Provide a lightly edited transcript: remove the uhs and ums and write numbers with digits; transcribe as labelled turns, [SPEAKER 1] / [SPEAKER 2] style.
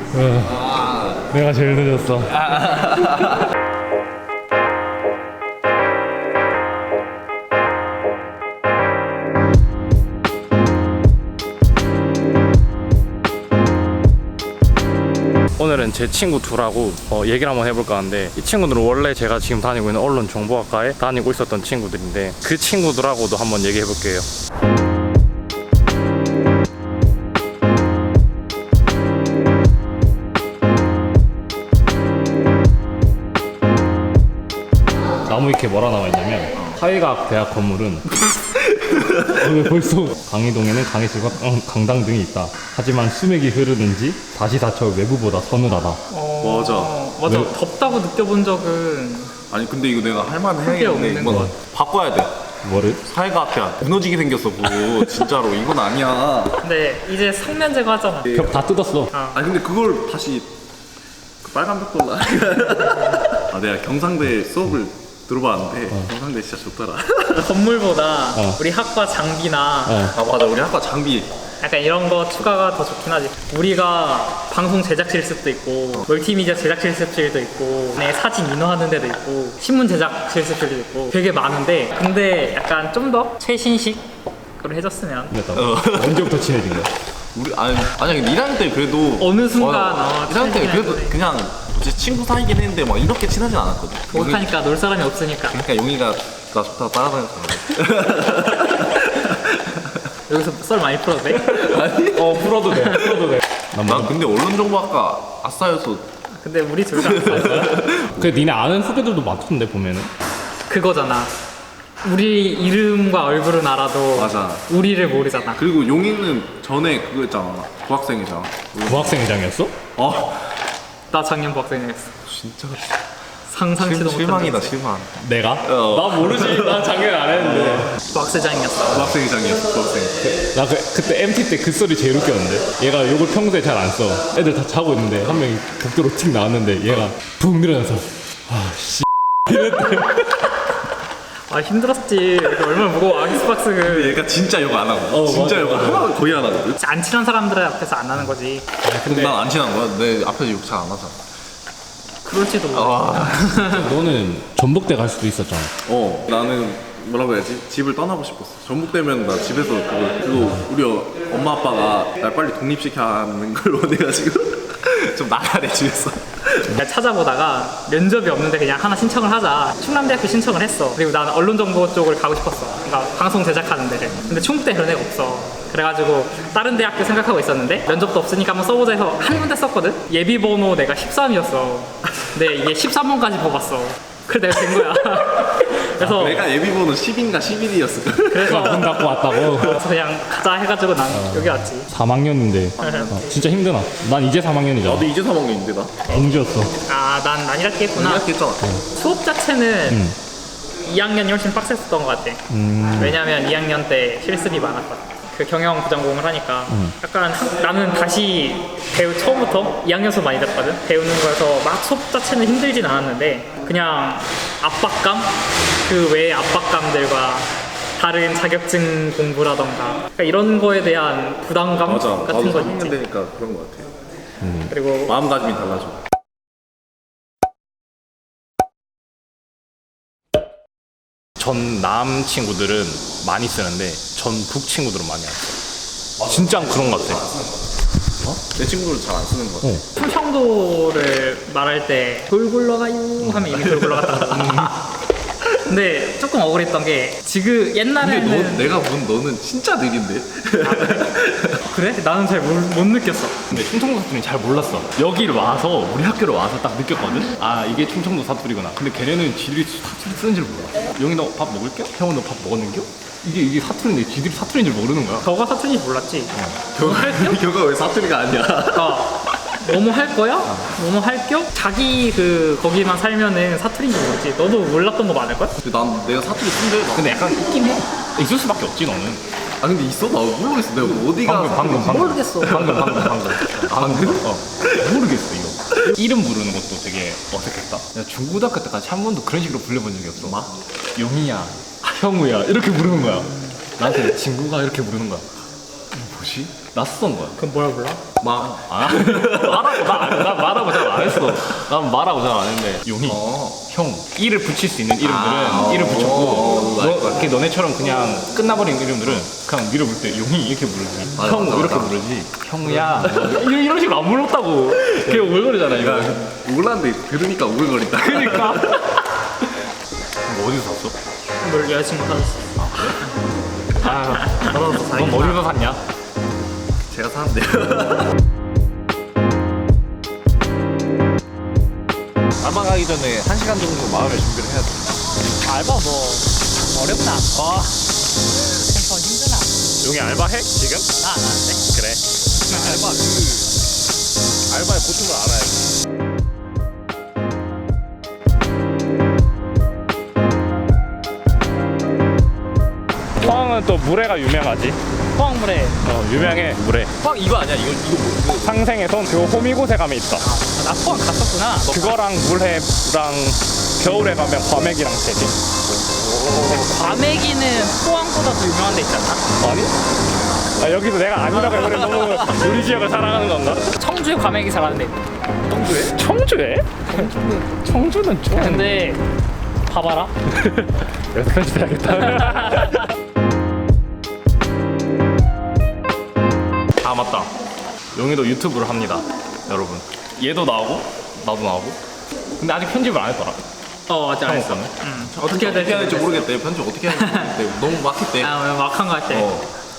[SPEAKER 1] 내가 제일 늦었어. 오늘은 제 친구 둘하고 얘기를 한번 해볼까 하는데, 이 친구들은 원래 제가 지금 다니고 있는 언론정보학과에 다니고 있었던 친구들인데, 그 친구들하고도 한번 얘기해볼게요. 나무위키에 뭐라 나와있냐면, 사회과학대학 건물은 벌써 강의동에는 강의실과 강당 등이 있다. 하지만 수맥이 흐르는지 다시 닫혀 외부보다 서늘하다.
[SPEAKER 2] 맞아.
[SPEAKER 1] 왜?
[SPEAKER 2] 덥다고 느껴본 적은
[SPEAKER 3] 아니 근데 이거 내가 할 만은
[SPEAKER 2] 크게
[SPEAKER 3] 해야겠는데
[SPEAKER 2] 없는
[SPEAKER 3] 이건
[SPEAKER 2] 것
[SPEAKER 3] 바꿔야 돼.
[SPEAKER 1] 뭐를?
[SPEAKER 3] 사회과학대학 무너지게 생겼어 그거. 진짜로 이건 아니야.
[SPEAKER 2] 근데 이제 성면 제거하잖아.
[SPEAKER 1] 벽 다 뜯었어.
[SPEAKER 3] 아니 근데 그걸 다시 그 빨간 벽 돌라. 아 내가 경상대 수업을 들어봤는데 경상대 진짜 좋더라.
[SPEAKER 2] 건물보다 우리 학과 장비나
[SPEAKER 3] 아 맞아 우리 학과 장비
[SPEAKER 2] 약간 이런 거 추가가 더 좋긴 하지. 우리가 방송 제작 실습도 있고 멀티미디어 제작 실습실도 있고 사진 인화하는 데도 있고 신문 제작 실습실도 있고 되게 많은데, 근데 약간 좀 더 최신식으로 해줬으면.
[SPEAKER 1] 언제부터 친해진 거야?
[SPEAKER 3] 우리 아니 근데 1학년 때 그래도
[SPEAKER 2] 어느 순간
[SPEAKER 3] 1학년 때 그래도
[SPEAKER 2] 친해지긴
[SPEAKER 3] 그냥 제 친구 사이긴 했는데 막 이렇게 친하진 않았거든.
[SPEAKER 2] 못하니까 놀 사람이 없으니까.
[SPEAKER 3] 그러니까 용이가 나 좋다고 따라다녔잖아.
[SPEAKER 2] 여기서 썰 많이 풀어도 돼?
[SPEAKER 3] 아니?
[SPEAKER 1] 풀어도 돼.
[SPEAKER 3] 난 근데 언론정보학과 아싸여서.
[SPEAKER 2] 근데 우리 둘 다 안 써요.
[SPEAKER 1] 그래, 니네 아는 후배들도 많던데 보면은.
[SPEAKER 2] 그거잖아. 우리 이름과 얼굴은 알아도
[SPEAKER 3] 맞아.
[SPEAKER 2] 우리를 모르잖아.
[SPEAKER 3] 그리고 용이는 전에 그거 있잖아. 부학생이잖아.
[SPEAKER 1] 부학생회장이었어?
[SPEAKER 2] 나 작년 부학생이었어.
[SPEAKER 3] 진짜
[SPEAKER 2] 상상치도 못한
[SPEAKER 3] 실망이다
[SPEAKER 2] 적이지.
[SPEAKER 3] 실망.
[SPEAKER 1] 내가? 나 모르지. 난 작년 안 했는데.
[SPEAKER 2] 부학생장이었어.
[SPEAKER 3] 부학생회장이었어 부학생.
[SPEAKER 1] 나 그때 MT 때 그 소리 제일 웃겼는데, 얘가 욕을 평소에 잘 안 써. 애들 다 자고 있는데 한 명이 복도로 틱 나왔는데 얘가 붕 일어나서
[SPEAKER 2] 아 힘들었지. 이거 얼마나 무거워. 아기스박스
[SPEAKER 3] 근데 얘가 진짜 욕 안 하고 진짜
[SPEAKER 1] 맞아,
[SPEAKER 3] 욕 하나 거의 안 하거든.
[SPEAKER 2] 안 친한 사람들 앞에서 안 하는 거지.
[SPEAKER 3] 근데 난 안 친한 거야. 내 앞에서 욕 잘 안 하잖아.
[SPEAKER 2] 그럴지도 몰라.
[SPEAKER 3] 와.
[SPEAKER 1] 너는 전북대 갈 수도 있었잖아.
[SPEAKER 3] 나는 뭐라고 해야지? 집을 떠나고 싶었어. 전북되면 나 집에서 그거 우리 엄마 아빠가 날 빨리 독립시켜야 하는 걸 원해가지고 좀 나가야 돼 집에서.
[SPEAKER 2] 내가 찾아보다가 면접이 없는데 그냥 하나 신청을 하자. 충남대학교 신청을 했어. 그리고 나는 언론정보 쪽을 가고 싶었어. 그러니까 방송 제작하는 데를. 근데 충북대 그런 데가 없어. 그래가지고 다른 대학교 생각하고 있었는데 면접도 없으니까 한번 써보자 해서 한 군데 썼거든? 예비번호 내가 13이었어. 근데 이게 13번까지 뽑았어. 그래 내가 된 거야. 그래서
[SPEAKER 3] 내가 예비번호 10인가 11이었어.
[SPEAKER 2] 그래서
[SPEAKER 1] 문 닫고 왔다고.
[SPEAKER 2] 그래서 그냥 가자 해가지고 난 여기 왔지.
[SPEAKER 1] 3학년인데 진짜 힘드나? 난 이제 3학년이잖아.
[SPEAKER 3] 나도 이제 3학년인데 나.
[SPEAKER 1] 공주였어.
[SPEAKER 2] 아, 난 이렇게 했구나.
[SPEAKER 3] 이렇게 했잖아.
[SPEAKER 2] 수업 자체는 2학년이 훨씬 빡셌었던 것 같아. 왜냐면 2학년 때 실습이 많았거든. 그 경영 부전공을 하니까 약간 나는 다시 처음부터 2학년 수업 많이 듣거든. 배우는 거에서 막 수업 자체는 힘들진 않았는데 그냥 압박감? 그 외의 압박감들과 다른 자격증 공부라던가 그러니까 이런 거에 대한 부담감
[SPEAKER 3] 맞아.
[SPEAKER 2] 같은
[SPEAKER 3] 나도
[SPEAKER 2] 거
[SPEAKER 3] 3학년
[SPEAKER 2] 있지.
[SPEAKER 3] 되니까 그런 거 같아.
[SPEAKER 2] 그리고
[SPEAKER 3] 마음가짐이 달라져.
[SPEAKER 1] 전남 친구들은 많이 쓰는데 전북 친구들은 많이 안 써. 진짜 그런 것 같아.
[SPEAKER 3] 내 친구들은 잘 안 쓰는 거 같아.
[SPEAKER 2] 충청도를 말할 때 돌 굴러가요 하면 이미 돌 굴러갔다. 근데 조금 억울했던 게 지금
[SPEAKER 3] 근데
[SPEAKER 2] 옛날에는
[SPEAKER 3] 내가 본 너는 진짜 느린데?
[SPEAKER 2] 그래? 나는 잘 못 느꼈어.
[SPEAKER 1] 근데 충청도 사투리 잘 몰랐어. 여기를 와서 우리 학교를 와서 딱 느꼈거든. 아 이게 충청도 사투리구나. 근데 걔네는 지들이 사투리 쓰는 줄 몰라. 영희 너 밥 먹을게? 형은 너 밥 먹었는겨? 이게 사투리인데 지들이 사투리인 줄 모르는 거야.
[SPEAKER 2] 너가 사투리인지 몰랐지? 뭐 할겨?
[SPEAKER 3] 겨가 왜 사투리가 아니야?
[SPEAKER 2] 뭐뭐 할 거야? 뭐뭐 할겨? 자기 거기만 살면은 사투리인지 모르지. 너도 몰랐던 거 많을 걸?
[SPEAKER 3] 근데 난 내가 사투리 쓴대.
[SPEAKER 1] 근데 약간 있긴 해. 있을 수밖에 없지 너는.
[SPEAKER 3] 아 근데 있어? 나 모르겠어. 내가 어디가
[SPEAKER 1] 방금
[SPEAKER 2] 모르겠어.
[SPEAKER 1] 방금
[SPEAKER 3] 방금?
[SPEAKER 1] 모르겠어 이거. 이름 부르는 것도 되게 어색했다. 내가 중고등학교 때까지 한 번도 그런 식으로 불려본 적이 없어. 막 용이야, 형우야 이렇게 부르는 거야. 나한테 친구가 이렇게 부르는 거야. 뭐지?
[SPEAKER 3] 그치?
[SPEAKER 1] 낯선 거야.
[SPEAKER 2] 그럼 뭐라 불러?
[SPEAKER 3] 막
[SPEAKER 1] 아, 나 말하고 잘 안 했어. 난 말하고 잘 안 했는데 용이 형 이를 붙일 수 있는 이름들은 이를 붙였고 이렇게 너네처럼 그냥 끝나버린 이름들은 그냥 밀어볼 때 용이 이렇게 부르지.
[SPEAKER 3] 맞아,
[SPEAKER 1] 형
[SPEAKER 3] 맞아,
[SPEAKER 1] 이렇게
[SPEAKER 3] 맞아.
[SPEAKER 1] 부르지. 형야 이런 식으로 안 불렀다고. 그냥 오글거리잖아 이거.
[SPEAKER 3] 몰랐는데 들으니까 오글거린다.
[SPEAKER 1] 그러니까. 이거 어디서 샀어?
[SPEAKER 2] 뭘 여자친구 사줬어.
[SPEAKER 1] 아,
[SPEAKER 3] 받아서
[SPEAKER 1] 넌
[SPEAKER 3] 다행이다.
[SPEAKER 1] 어디서 샀냐?
[SPEAKER 3] 제가 사는데요. 알바 가기 전에 1시간 정도 마음의 준비를 해야 돼.
[SPEAKER 2] 알바 뭐 어렵다. 더 힘드나?
[SPEAKER 1] 용이 알바해 지금?
[SPEAKER 2] 나 안 하는데.
[SPEAKER 1] 그래.
[SPEAKER 3] 알바의 고충을 알아야지.
[SPEAKER 1] 포항은 또 물회가 유명하지.
[SPEAKER 2] 포항물에
[SPEAKER 1] 유명해 물회.
[SPEAKER 3] 형 이거 아니야? 이거 뭐?
[SPEAKER 1] 상생의 손 그 호미곶에 가면 있어.
[SPEAKER 2] 나 포항 갔었구나.
[SPEAKER 1] 그거랑 물회랑 겨울에 가면 과메기랑 되지.
[SPEAKER 2] 과메기는 포항보다 더 유명한 데 있잖아.
[SPEAKER 1] 아니? 아, 여기서 내가 아니라고 해버려. 너무 우리 지역을 사랑하는 건가?
[SPEAKER 2] 청주에 과메기 잘하는 데 있다.
[SPEAKER 1] 청주에? 청주에? 청주는 좀.
[SPEAKER 2] 근데 봐봐라.
[SPEAKER 1] 여기서 편집해야겠다. 아 맞다. 용이도 유튜브를 합니다, 여러분. 얘도 나오고 나도 나오고. 근데 아직 편집을 안 했더라.
[SPEAKER 2] 아직 안 했어.
[SPEAKER 1] 거는.
[SPEAKER 2] 어떻게 해야 될지
[SPEAKER 3] 모르겠대. 편집 어떻게 해야 될지 모르겠대. 너무 막혔대.
[SPEAKER 2] 막한 거 같아.